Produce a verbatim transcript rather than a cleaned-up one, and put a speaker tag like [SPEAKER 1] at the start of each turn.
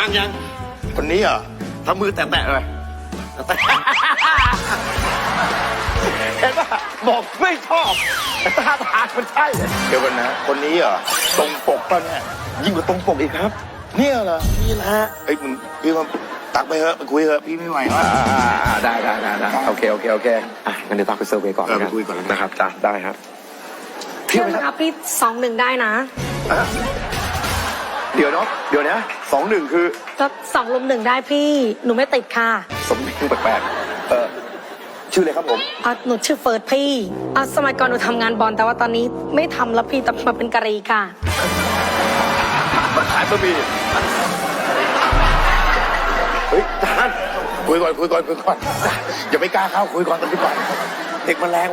[SPEAKER 1] ยังยัง
[SPEAKER 2] คนนี้เหรอ
[SPEAKER 1] ทำมือแตะๆเลยแตะ
[SPEAKER 2] เห็นป่ะบอกไม่ชอบท่าทางมันใช่เดี๋ยวกันนะ คนนี้เหรอตรงปกป่ะเนี่ยยิ่งกว่าตรงปกอีกครับ เนี่ยเหรอนี่แหละเอ้ยมึงพี่ว่าตักไปเถอะไปคุยเถอะพี่ไม่ไหวแล้ว
[SPEAKER 3] อ่าได้ได้ได้ได้โอเคโอเคโอเคอ่ะงั้นเดี๋ยวตักไปเซอร์เวย์ก่อน
[SPEAKER 2] เออ
[SPEAKER 3] นะ
[SPEAKER 2] ไปคุยก่อนแล้วกัน
[SPEAKER 3] นะครับจ้ะได้ครับ
[SPEAKER 4] เที่ยวนะครับพี่สองหนึ่งได้นะ
[SPEAKER 3] เดี๋ยวเนาะเดี๋ยวนะสองหนึ่งคือ
[SPEAKER 4] ก็สองลุมหนึ่งได้พี่หนูไม่ติดค่ะ
[SPEAKER 3] สมชื่อแปลกๆเออชื่ออะไรครับผม
[SPEAKER 4] อ่ะหนูชื่อเฟิร์สพี่อ่ะสมัยก่อนหนูทำงานบอลแต่ว่าตอนนี้ไม่ทำแล้วพี่แต่มาเป็นกะหรี่ค่ะ
[SPEAKER 3] มาขายบะหมี่เฮ้ยจาน
[SPEAKER 2] คุยก่อนคุยก่อนคุยก่อนอย่าไม่กล้าเข้าคุยก่อนตอนนี้ก่อนเด็กมันแรง